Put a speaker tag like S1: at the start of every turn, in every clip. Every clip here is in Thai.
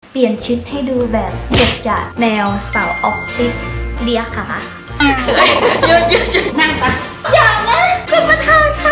S1: เปลี่ยนชุดให้ดูแบบเจ็ดจัดแนวสาวออฟฟิศเลียขาหยุดนั่งปะอย่างนั้นคุณประธานคะ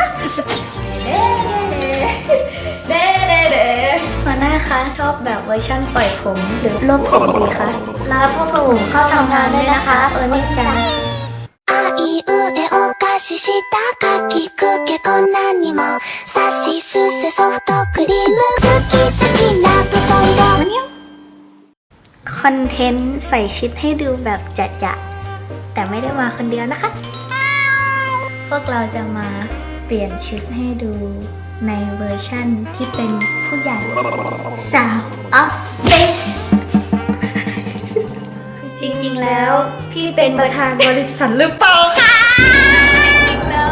S1: เด้หัวหน้าคะชอบแบบเวอร์ชั่นปล่อยผมหรือรวบผมดีคะรับพวกผมเข้าทำงานได้นะคะนี่จัง
S2: あいうえお菓子したかきくけこんなにもさしすせソフトクリーム好き好きな布団を
S1: คอนเทนต์ใส่ชุดให้ดูแบบจัดๆแต่ไม่ได้มาคนเดียวนะคะพวกเราจะมาเปลี่ยนชุดให้ดูในเวอร์ชั่นที่เป็นผู้ใหญ่สาวออฟฟิศจริงๆแล้วพี่เป็นประธานบริษัทหรือเปล่าคะจริงแล้ว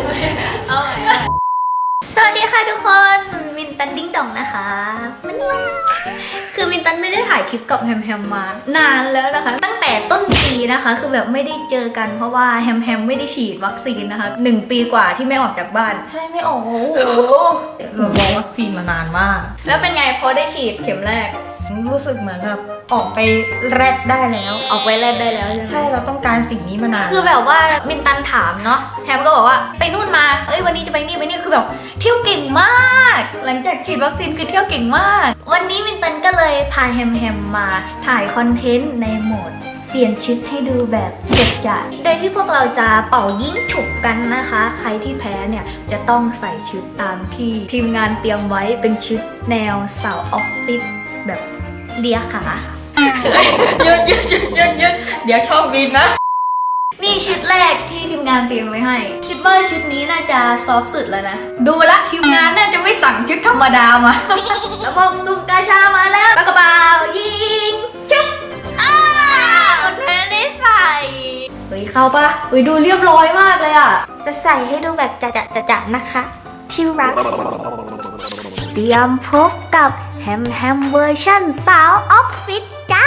S1: สวัสดีค่ะทุกคนมินตันดิ้งดองนะคะคือมินตันไม่ได้ถ่ายคลิปกับแฮมมานานแล้วนะคะตั้งแต่ต้นปีนะคะคือแบบไม่ได้เจอกันเพราะว่าแฮมไม่ได้ฉีดวัคซีนนะคะ1 ปีกว่าที่ไม่ออกจากบ้าน
S3: ใช่ไม่ออกโอ้โหเรารอวัคซีนมานานมาก
S1: แล้วเป็นไงพอได้ฉีดเข็มแรก
S3: รู้สึกเหมือนแบบออกไปแรดได้แล้ว
S1: ออกไปแรดได้แล้ว
S3: ใช่เราต้องการสิ่งนี้มานาน
S1: คือแบบว่ามินตันถามเนาะแฮมก็บอกว่าไปนู่นมาวันนี้จะไปนี่คือแบบเที่ยวเก่งมากหลังจากฉีดวัคซีนคือเที่ยวเก่งมากวันนี้มินตันก็เลยพาแฮมมาถ่ายคอนเทนต์ในโหมดเปลี่ยนชุดให้ดูแบบเจ็ดจัดโดยที่พวกเราจะเป่ายิ่งฉุบกันนะคะใครที่แพ้เนี่ยจะต้องใส่ชุดตามที่ทีมงานเตรียมไว้เป็นชุดแนวสาวออฟฟิศแบบเลียขา
S3: หยุดเดี๋ยวชอบบินนะ
S1: นี่ชุดแรกที่ทีมงานเตรียมไว้ให้คิดว่าชุดนี้น่าจะซอฟต์สุดแล้วนะดูละทีมงานน่าจะไม่สั่งชุดธรรมดามาแล้วพอซุ่มกาชามาแล้วปากกระเป๋ายิงจุ๊บคนแพ้ได้ใส่เข้าปะดูเรียบร้อยมากเลยอ่ะ
S2: จะใส่ให้ดูแบบจะนะคะที่รัก
S1: เตรียมพบกับแฮมเวอร์ชั่นสาวออฟฟิศจ้า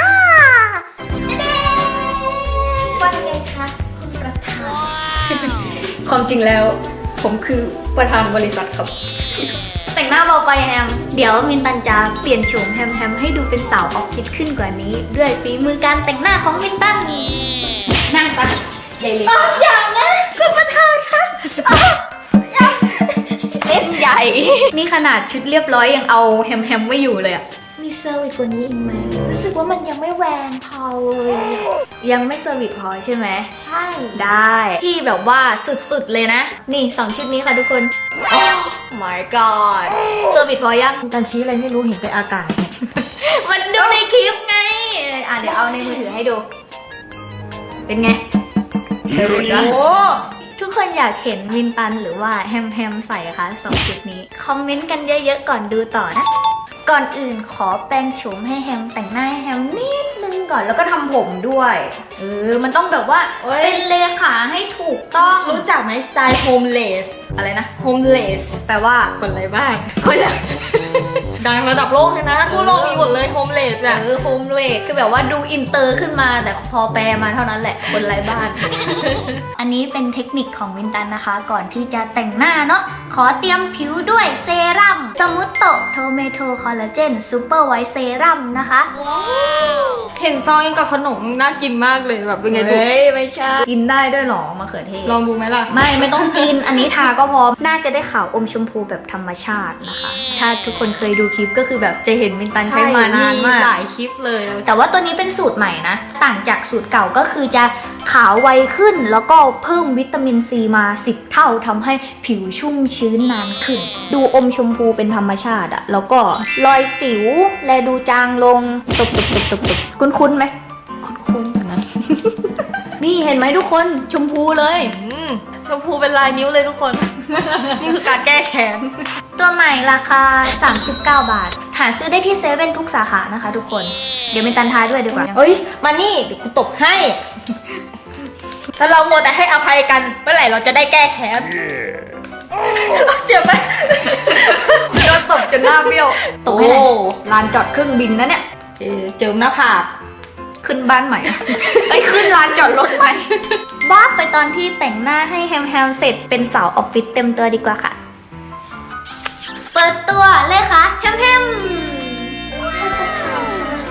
S2: ว่าไงคะคุณประธาน
S1: ความจริงแล้วผมคือประธานบริษัทครับแต่งหน้าเบาไปแฮมเดี๋ยวมินตันจะเปลี่ยนโฉมแฮมให้ดูเป็นสาวออฟฟิศขึ้นกว่านี้ด้วยฝีมือการแต่งหน้าของมินตันนั่งซะใหญ่เลย
S2: อย่างนะคุณประธานคะ
S1: เล่นใหญ่นี่ขนาดชุดเรียบร้อยยังเอาแฮมไม่อยู่เลยอะ
S2: มีเซอร์วิสกว่านี้อีกไหมรู้สึกว่ามันยังไม่แรงพอเลย
S1: ยังไม่เซอร์วิสพอใช่ไหม
S2: ใช่
S1: ได้ที่แบบว่าสุดๆเลยนะนี่2ชุดนี้ค่ะทุกคน Oh my god เซอร์วิสพอยัง
S3: ตอนชี้อะไรไม่รู้เห็นแต่อากาศ
S1: มันดูในคลิปไงเดี๋ยวเอาในมือถือให้ดูเป็นไงเซอร์วิสนะทุกคนอยากเห็นวินตันหรือว่าแฮมใส่คะ2ชุดนี้คอมเมนต์กันเยอะๆก่อนดูต่อนะก่อนอื่นขอแปรงโฉมให้แฮมแต่งหน้าให้แฮมนิดนึงก่อนแล้วก็ทำผมด้วยมันต้องแบบว่าเป็นเลขาให้ถูกต้อง
S3: รู้จักไหมสไตล์โฮมเลส
S1: อะไรนะ
S3: โฮมเลส
S1: แปลว่า
S3: คนไรบ้างคนดังระดับโลกเลยนะทั่วโลกมีหมดเลยโฮมเลสอะ
S1: โฮมเลสคือแบบว่าดูอินเตอร์ขึ้นมาแต่พอแปลมาเท่านั้นแหละคนไร้บ้าน อันนี้เป็นเทคนิคของวินตันนะคะก่อนที่จะแต่งหน้าเนาะขอเตรียมผิวด้วยเซรั่มสมุตโตโทเมโทคอลลาเจนซูเปอร์ไวท์เซรั่มนะคะ
S3: เห็นซองยังกับขนมน่ากินมากเลยแบบเป็นไงดู
S1: ไม่ใช่กินได้ด้วยหรอมะเขือเทศ
S3: ลองดูไหมล่ะ
S1: ไม่ต้องกินอันนี้ทาก็พอน่าจะได้ขาวอมชมพูแบบธรรมชาตินะคะถ้าทุกคนเคยดูคลิปก็คือแบบจะเห็นวินตันใช้มานานมาก
S3: หลายคลิปเลย
S1: แต่ว่าตัวนี้เป็นสูตรใหม่นะต่างจากสูตรเก่าก็คือจะขาวไวขึ้นแล้วก็เพิ่มวิตามินซีมา10 เท่าทำให้ผิวชุ่มชื้นนานขึ้นดูอมชมพูเป็นธรรมชาติอะแล้วก็รอยสิวแลดูจางลงตบคุ้นไหม
S3: คุ้นๆนะ
S1: นี่เห็นไหมทุกคนชมพูเลย
S3: ชมพูเป็นลายนิ้วเลยทุกคน นี่คือการแก้แค้น
S1: ตัวใหม่ราคา39 บาทหาซื้อได้ที่เซเว่นทุกสาขานะคะทุกคนเดี๋ยวมีตันทายด้วยดีกว่า
S3: มานี่เดี๋ยวกูตบให้ถ้าเราโมแต่ให้อภัยกันเมื่อไหร่เราจะได้แก้แค้นเจ็บไหม
S1: โดนตบจนหน้าเบี้ยวตบให้ไหนลานจอดเครื่องบินนะเนี่ย
S3: เจิมหน้าผาก
S1: ขึ้นบ้านใหม่ไปขึ้นลานจอดรถใหม่บ้าไปตอนที่แต่งหน้าให้แฮมเสร็จเป็นสาวออฟฟิศเต็มตัวดีกว่าค่ะเปิดตัวเลยค่ะแฮม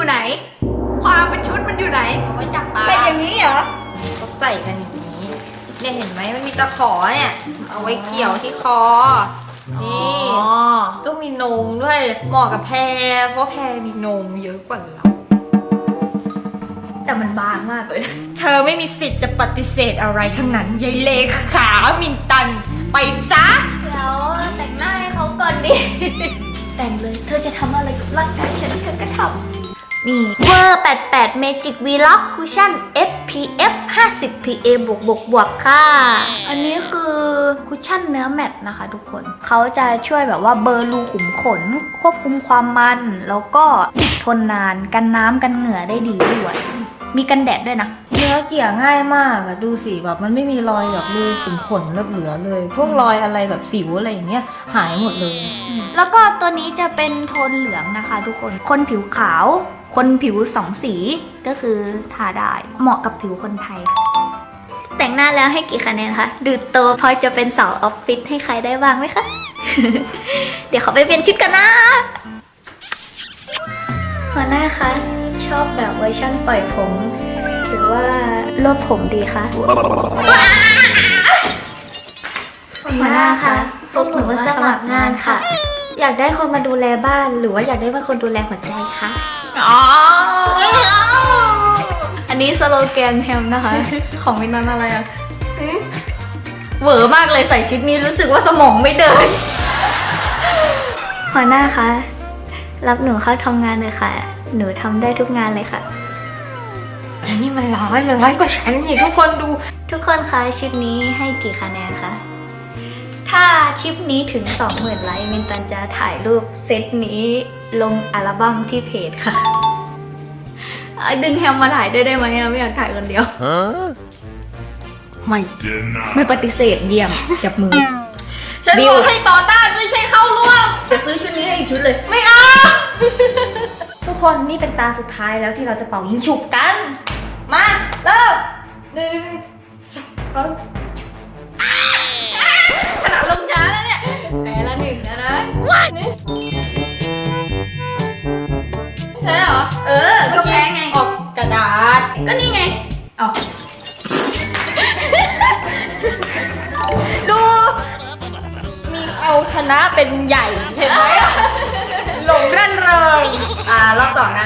S1: อยู่ไหน ความเป็นชุดมันอยู่ไหนเอาไว้จับปลา
S3: ใส่อย่างนี้เหรอเขาใส่กันอย่างนี้เนี่ยเห็นไหมมันมีตะขอเนี่ย เอาไว้เกี่ยวที่คอ นี่
S1: อ๋อ
S3: ต้องมีนมด้วยเหมาะกับแพรเพราะแพรมีนมเยอะกว่าเรา
S1: แต่มันบางมากเลย
S3: เธอไม่มีสิทธิ์จะปฏิเสธอะไรทั้งนั้นยายเลขามินตัน ไปซะ
S1: แล้วแต่งหน้าให้เขาก่อนดิ แต่งเลย เธอจะทำอะไรกับร่างกายฉันเธอก็ทำนี่เวอร์88 Magic Vlog Cushion SPF 50 PA บวกค่ะ อันนี้คือคุชชั่นเนื้อแมตต์นะคะทุกคน เขาจะช่วยแบบว่าเบลอรูขุมขน ควบคุมความมัน แล้วก็ติดทนนานกันน้ำกันเหงื่อได้ดีด้วย มีกันแดดด้วยนะ
S3: เนื้อเกี่ยง่ายมากอะดูสิแบบมันไม่มีรอยแบบรูขุมขนเหลือเลย พวกรอยอะไรแบบสิวอะไรอย่างเงี้ยหายหมดเลย
S1: แล้วก็ตัวนี้จะเป็นโทนเหลืองนะคะทุกคน คนผิวขาว คนผิวสองสีก็คือทาได้ เหมาะกับผิวคนไทย แต่งหน้าแล้วให้กี่คะแนนคะ ดูโตพอจะเป็นสาวออฟฟิศให้ใครได้บ้างไหมคะ เดี๋ยวเขาไปเปลี่ยนชุดกันนะ หัวหน้าคะ ชอบแบบเวอร์ชั่นปล่อยผม หรือว่ารวบผมดีคะ
S2: หัวหน้าคะพวกหนูมาสมัครงานค่ะ อยากได้คนมาดูแลบ้านหรือว่าอยากได้เป็นคนดูแลหัวใจคะ
S1: อ๋อ อันนี้สโลแกนแฮมนะคะ ของวินนั้นอะไรอะเหวอมากเลยใส่ชุดนี้รู้สึกว่าสมองไม่เดิน หัวหน้าคะ รับหนูเข้าทำงานเลยค่ะ หนูทำได้ทุกงานเลยค่ะ
S3: อันนี้มันร้อยกว่าฉันอีกทุกคนดู
S1: ทุกคนคะชุดนี้ให้กี่คะแนนคะ ถ้าคลิปนี้ถึง 20,000 ไลค์มินตันจะถ่ายรูปเซตนี้ลงอัลบั้มที่เพจค่ะ ดึงแฮมมาถ่ายด้วยได้ไหมอะไม่อยากถ่ายคนเดียว
S3: ไม่
S1: ไม่ปฏิเสธเยี่ยมจับมือ
S3: ฉันบอกให้ต่อต้านไม่ใช่เข้าร่วม
S1: จะซื้อชุดนี้ให้อีกชุดเลย
S3: ไม่เอา ทุกคนนี่เป็นตาสุดท้ายแล้วที่เราจะเป่ายิงฉุบกัน มาเริ่ม1 2
S1: ขนาดลงช้าแล้วเนี่ยแพ้ละ1แล้วนะนี่ใช่เหรอ ก็แพ้ไง
S3: ออกกระดาษ
S1: ก็นี่ไง
S3: เอาดู มีเอาชนะเป็นใหญ่เห็นไหมอะหลงร่นเริง
S1: รอบ2นะ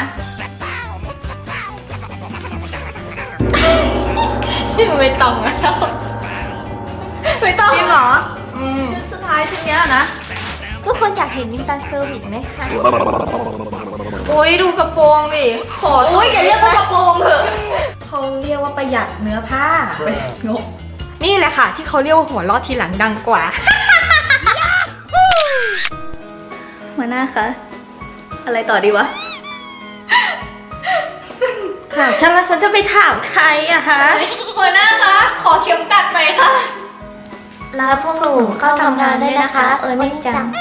S3: ที่ไม่ต้องแล้ว
S1: ไม่ต้องจริงเหรอ
S3: อืม
S1: ชุดสุดท้ายชุดเนี้ยนะ
S2: ทุกคนอยากเห็นมินตันเซอร์วิสไหมคะ
S3: โอ้ยดูกระโปรงดิขอ
S1: อุ้ยอย่าเรียกว่ากระโปรงเถอะ
S3: เขาเรียกว่าประหยัดเนื้อผ้างกนี่แหละค่ะ ที่เขาเรียกว่าหัวเราะทีหลังดังกว่า
S1: หัวหน้าคะ อะไรต่อดีวะ
S3: ถามฉันแล้วฉันจะไปถามใครอะคะ
S1: หัวหน้าคะ ขอเข็มกัดหน่อยค่ะ
S2: รับพวกหนูเข้าทำงานได้นะคะ ไม่จัง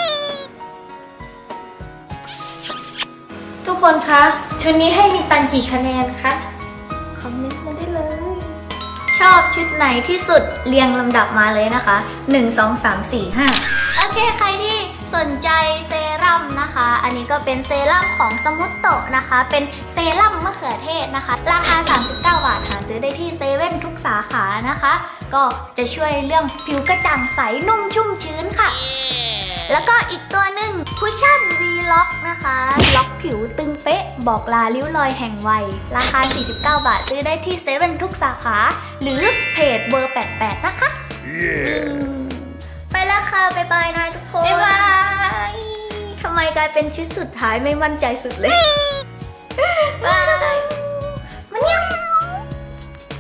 S3: ทุกคนคะชุดนี้ให้มีตันกี่คะแนนคะคอมเมนต์มาได้เลย
S1: ชอบชุดไหนที่สุดเรียงลำดับมาเลยนะคะ 1 2 3 4 5 โอเค ใครที่สนใจเซรั่มนะคะ อันนี้ก็เป็นเซรั่มของสมุตโตะนะคะ เป็นเซรั่มมะเขือเทศนะคะ ราคา 39 บาทหาซื้อได้ที่เซเว่นทุกสาขานะคะ ก็จะช่วยเรื่องผิวกระจ่างใสนุ่มชุ่มชื้นค่ะ แล้วก็อีกตัวหนึ่งคุชชั่น V-Lock นะคะ ล็อกผิวตึงเป๊ะ บอกลาริ้วรอยแห่งวัย ราคา 49 บาทซื้อได้ที่เซเว่นทุกสาขา หรือเพจเบอร์ 88 นะคะ ไปแล้วค่ะ บ๊ายบายนะทุกคน บ๊ายบายทำไมกลายเป็นชุดสุดท้ายไม่มั่นใจสุดเลย บาย